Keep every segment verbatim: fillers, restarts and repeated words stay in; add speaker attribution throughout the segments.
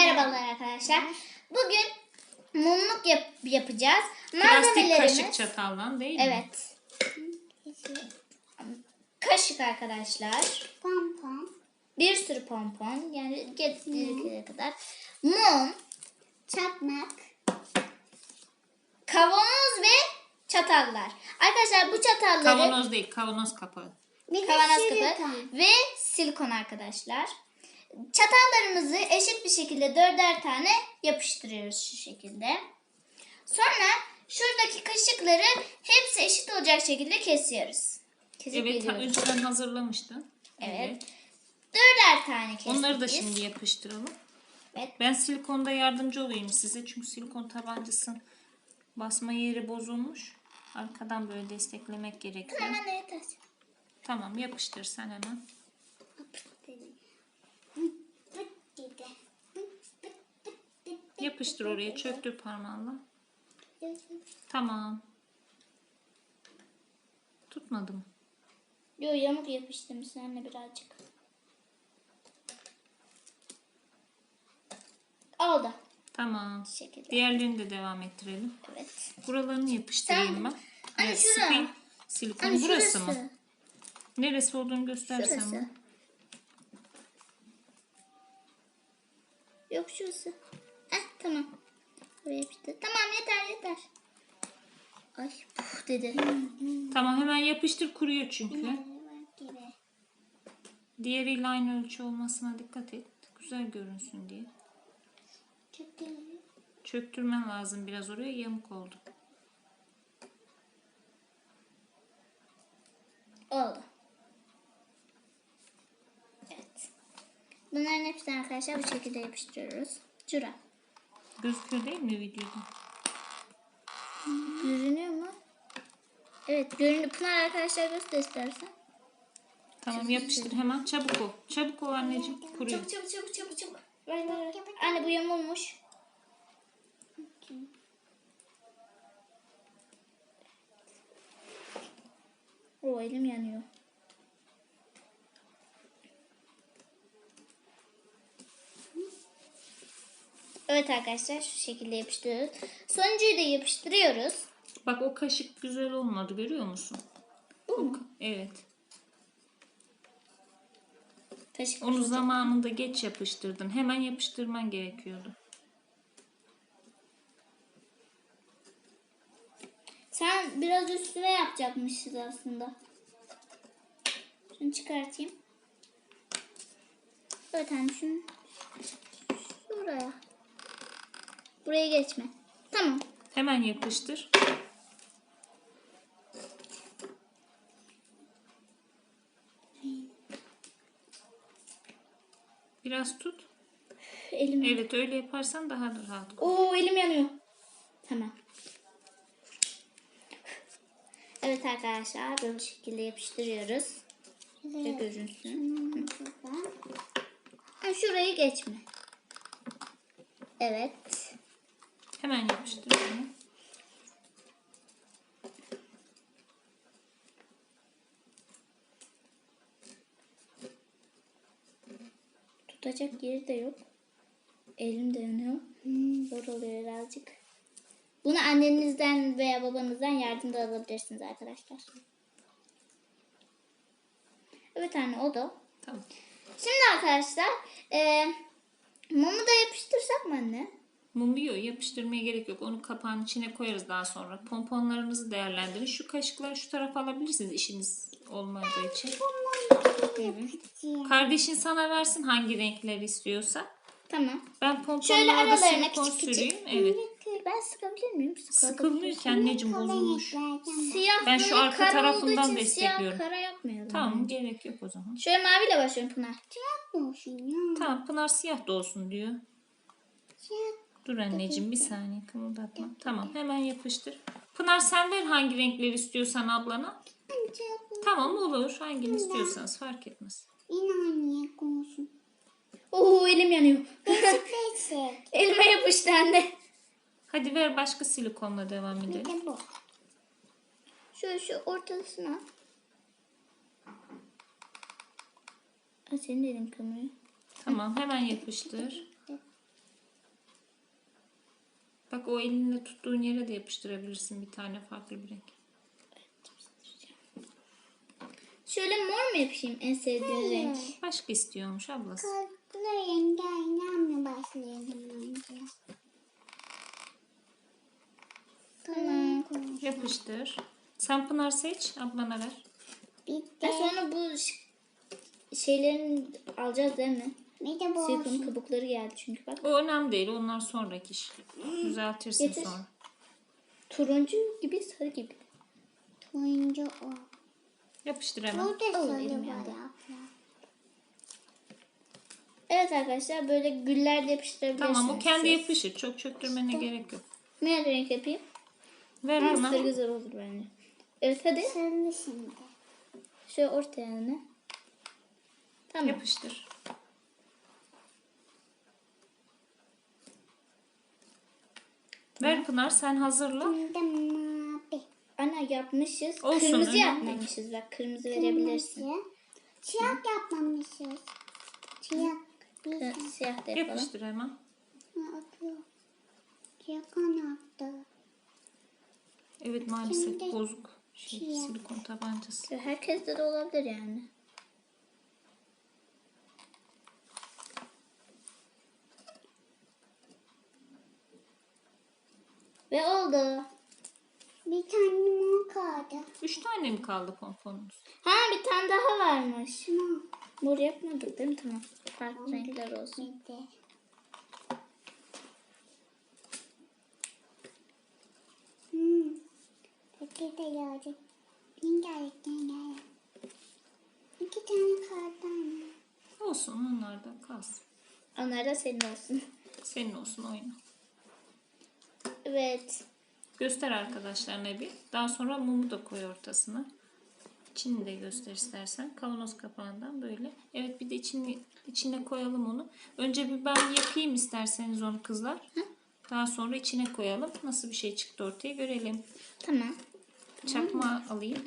Speaker 1: Merhabalar arkadaşlar. Bugün mumluk yap yapacağız.
Speaker 2: Plastik kaşık çatalla değil mi?
Speaker 1: Evet. Kaşık arkadaşlar.
Speaker 3: Pompon.
Speaker 1: Bir sürü pompon. Yani gerektiği kadar. Mum.
Speaker 3: Çakmak.
Speaker 1: Kavanoz ve çatallar. Arkadaşlar bu çatalları...
Speaker 2: Kavanoz değil, kavanoz kapağı.
Speaker 3: Bir
Speaker 1: Kavanoz
Speaker 3: de
Speaker 1: kapağı
Speaker 3: silikon.
Speaker 1: ve silikon arkadaşlar. Çatallarımızı eşit bir şekilde dörder tane yapıştırıyoruz şu şekilde. Sonra şuradaki kaşıkları hepsi eşit olacak şekilde kesiyoruz. Kesip
Speaker 2: Evet,
Speaker 1: geliyoruz.
Speaker 2: önceden hazırlamıştın.
Speaker 1: Evet. Dörder tane kestik.
Speaker 2: Onları da
Speaker 1: biz.
Speaker 2: şimdi yapıştıralım.
Speaker 1: Evet.
Speaker 2: Ben silikonda yardımcı olayım size. Çünkü silikon tabancasının basma yeri bozulmuş. Arkadan böyle desteklemek gerekiyor.
Speaker 1: Hemen de yeter.
Speaker 2: Tamam, yapıştır sen hemen. Yapıştır oraya, çöktür parmağınla. Tamam. Tutmadı mı?
Speaker 1: Yo, yamuk yapıştırmışsın anne birazcık. Oldu.
Speaker 2: Tamam.
Speaker 1: Bu şekilde.
Speaker 2: Diğerlerini de devam ettirelim.
Speaker 1: Evet.
Speaker 2: Buralarını yapıştırayım
Speaker 1: Sen-
Speaker 2: ben.
Speaker 1: Anne,
Speaker 2: Evet,
Speaker 1: şura.
Speaker 2: spin silikon
Speaker 1: Anne,
Speaker 2: burası
Speaker 1: şurası.
Speaker 2: mı? Neresi olduğunu göstersen
Speaker 1: Şurası.
Speaker 2: bana.
Speaker 1: Yok şurası. Heh, tamam. Buraya yapıştır. Tamam, yeter yeter. Ay puf dedi.
Speaker 2: Tamam, hemen yapıştır, kuruyor çünkü.
Speaker 3: Gibi.
Speaker 2: Diğeriyle aynı ölçü olmasına dikkat et. Güzel görünsün diye.
Speaker 3: Çok iyi.
Speaker 2: Çöktürmen lazım biraz, oraya yamuk oldu.
Speaker 1: Oldu. Evet. Bunların hepsini arkadaşlar bu şekilde yapıştırıyoruz. Şura.
Speaker 2: Gözüküyor değil mi videoda?
Speaker 1: Görünüyor mu? Evet görünüyor. Pınar arkadaşlar göster istersen.
Speaker 2: Tamam, yapıştır hemen. Çabuk ol. Çabuk ol anneciğim. Kuruyor.
Speaker 1: Çabuk çabuk çabuk çabuk çabuk. Ver ver ver. Anne bu yamulmuş. O elim yanıyor. Evet arkadaşlar şu şekilde yapıştırıyoruz. Sonuncuyu da yapıştırıyoruz.
Speaker 2: Bak, o kaşık güzel olmadı, görüyor musun?
Speaker 1: Bu mu?
Speaker 2: Evet.
Speaker 1: Kaşık
Speaker 2: Onu
Speaker 1: kırılacak.
Speaker 2: zamanında geç yapıştırdın. Hemen yapıştırman gerekiyordu.
Speaker 1: Sen biraz üstüne yapacakmışız aslında. Şunu çıkartayım. Evet anne şunu şuraya. Buraya geçme. Tamam.
Speaker 2: Hemen yapıştır. Biraz tut.
Speaker 1: Elim.
Speaker 2: Evet, öyle yaparsan daha da rahat.
Speaker 1: Oo elim yanıyor. Tamam. Evet arkadaşlar böyle şekilde yapıştırıyoruz. Şöyle görünsün. Ha, şurayı geçme. Evet.
Speaker 2: Hemen yapıştır onu.
Speaker 1: Tutacak yeri de yok. Elim de yanıyor. Zor oluyor birazcık. Bunu annenizden veya babanızdan yardım da alabilirsiniz arkadaşlar. Evet anne o da.
Speaker 2: Tamam.
Speaker 1: Şimdi arkadaşlar e, mumu da yapıştırsak mı anne?
Speaker 2: Mumu yok, yapıştırmaya gerek yok. Onu kapağın içine koyarız daha sonra. Pomponlarınızı değerlendirin. Şu kaşıkları şu tarafa alabilirsiniz işiniz olmadığı için. Evet. Kardeşin sana versin hangi renkleri istiyorsa.
Speaker 1: Tamam.
Speaker 2: Ben
Speaker 1: Şöyle
Speaker 2: pomponlara da
Speaker 1: aralarına
Speaker 2: silikon
Speaker 1: küçük küçük.
Speaker 2: süreyim. Evet.
Speaker 1: Ben sıkabilir miyim?
Speaker 2: Sıkılmıyor ki anneciğim, bozulmuş.
Speaker 1: Siyah
Speaker 2: Ben şu
Speaker 1: bunun
Speaker 2: arka
Speaker 1: kara
Speaker 2: tarafından
Speaker 1: olduğu için
Speaker 2: destekliyorum.
Speaker 1: Siyah kara yapmayalım.
Speaker 2: Tamam, gerek yok o zaman.
Speaker 1: Şöyle maviyle başlıyorum Pınar.
Speaker 2: Tamam, Pınar siyah da olsun diyor. Dur anneciğim, bir saniye kımıldatma. Tamam, hemen yapıştır. Pınar sen ver hangi renkleri istiyorsan ablana. Tamam, olur. Hangini istiyorsanız fark etmez.
Speaker 1: Oo elim yanıyor. Elime yapıştı anne.
Speaker 2: Hadi ver, başka silikonla devam edelim.
Speaker 1: Şöyle şu ortasına. Aa, senin de elin kımıyor.
Speaker 2: Tamam, hemen yapıştır. Bak o elinle tuttuğun yere de yapıştırabilirsin bir tane farklı bir renk.
Speaker 1: Şöyle mor mu yapayım en sevdiğin renk?
Speaker 2: Başka istiyormuş ablası.
Speaker 3: Farklı rengi oynamaya başlayalım önce.
Speaker 1: Tamam.
Speaker 2: Yapıştır. Sen Pınar seç, ablana ver.
Speaker 3: Bir
Speaker 1: Ben
Speaker 3: de,
Speaker 1: sonra bu ş- şeylerin alacağız değil mi?
Speaker 3: bir de bu
Speaker 1: Silikonun
Speaker 3: olsun.
Speaker 1: kabukları geldi çünkü bak.
Speaker 2: O önemli değil, onlar sonraki iş. Düzeltirsin
Speaker 1: Getir.
Speaker 2: sonra.
Speaker 1: Turuncu gibi sarı gibi.
Speaker 3: Turuncu o.
Speaker 2: Yapıştır hemen.
Speaker 3: Burada
Speaker 1: Alın
Speaker 3: sarı
Speaker 1: elim
Speaker 3: var
Speaker 1: yandı.
Speaker 3: abla.
Speaker 1: Evet arkadaşlar böyle güller de yapıştırabilirsiniz.
Speaker 2: Tamam, o kendi
Speaker 1: siz.
Speaker 2: yapışır. Çok çöktürmene gerek yok.
Speaker 1: Ne renk yapayım?
Speaker 2: Ver
Speaker 1: Ha,
Speaker 2: Pınar.
Speaker 1: sarı güzel olur bence. Evet hadi.
Speaker 3: Sarı şimdi.
Speaker 1: Şöyle ortaya ne? Tamam.
Speaker 2: Yapıştır. Ver Pınar, sen hazırla.
Speaker 3: Şimdi mavi.
Speaker 1: Ana yapmışız.
Speaker 2: Olsun,
Speaker 1: Kırmızı
Speaker 2: önemli
Speaker 1: yapmamışız. Bak kırmızı verebilirsin.
Speaker 3: Kırmızı. Siyah yapmamışız. Siyah. Bir
Speaker 1: Kı-
Speaker 3: tane.
Speaker 1: Siyah da yapalım.
Speaker 2: Yapıştır hemen.
Speaker 3: Ha, atıyor. Siyah kanattı.
Speaker 2: Evet, maalesef
Speaker 3: Şimdi-
Speaker 2: bozuk. Şey,
Speaker 3: Siyah.
Speaker 2: silikon tabancası.
Speaker 1: Herkeste de olabilir yani. Ve oldu.
Speaker 3: Bir tane mor kaldı.
Speaker 2: Üç tane mi kaldı pomponunuz?
Speaker 1: Ha bir tane daha varmış.
Speaker 3: Mor.
Speaker 1: Mor yapmadık değil mi? Tamam. Farklı renkler olsun.
Speaker 3: Bir de. Hmm. Peki de geldi. Rengarenk rengarenk. İki tane kaldı anne.
Speaker 2: Olsun, onlar da kalsın.
Speaker 1: Onlar da senin olsun.
Speaker 2: Senin olsun, oyna.
Speaker 1: Evet.
Speaker 2: Göster arkadaşlarına bir. Daha sonra mumu da koy ortasına. İçini de göster istersen. Kavanoz kapağından böyle. Evet, bir de içini, içine koyalım onu. Önce bir ben yapayım isterseniz onu kızlar. Daha sonra içine koyalım. Nasıl bir şey çıktı ortaya görelim.
Speaker 1: Tamam.
Speaker 2: Çakma alayım.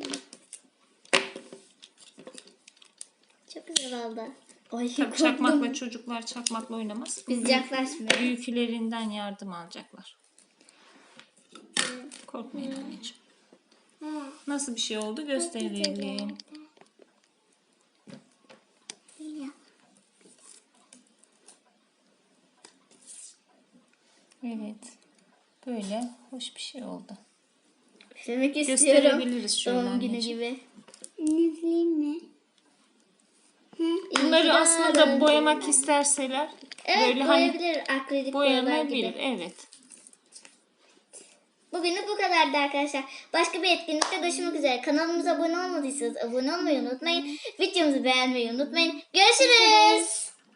Speaker 1: Çok güzel oldu. Ay
Speaker 2: Tabii
Speaker 1: korktum.
Speaker 2: çakmakla çocuklar çakmakla oynamaz.
Speaker 1: Biz yaklaşmıyoruz.
Speaker 2: Büyüklerinden yardım alacaklar. Korkmayın anneciğim.
Speaker 3: Ha.
Speaker 2: Nasıl bir şey oldu gösterelim.
Speaker 3: Siyah.
Speaker 2: Evet. Böyle hoş bir şey oldu.
Speaker 1: Üflemek istiyorum.
Speaker 2: Gösterebiliriz şöyle
Speaker 1: Doğum günü
Speaker 2: anneciğim.
Speaker 1: gibi.
Speaker 3: Nefli mi?
Speaker 2: Bunları
Speaker 1: İyi
Speaker 2: aslında
Speaker 1: yarın.
Speaker 2: boyamak isterseler
Speaker 1: Evet
Speaker 2: böyle hani
Speaker 1: boyayabilir. Akrilik boyalar
Speaker 2: boyanabilir.
Speaker 1: gibi.
Speaker 2: Evet.
Speaker 1: Bugünlük bu kadardı arkadaşlar. Başka bir etkinlikte görüşmek üzere. Kanalımıza abone olmadıysanız abone olmayı unutmayın. Videomuzu beğenmeyi unutmayın. Görüşürüz.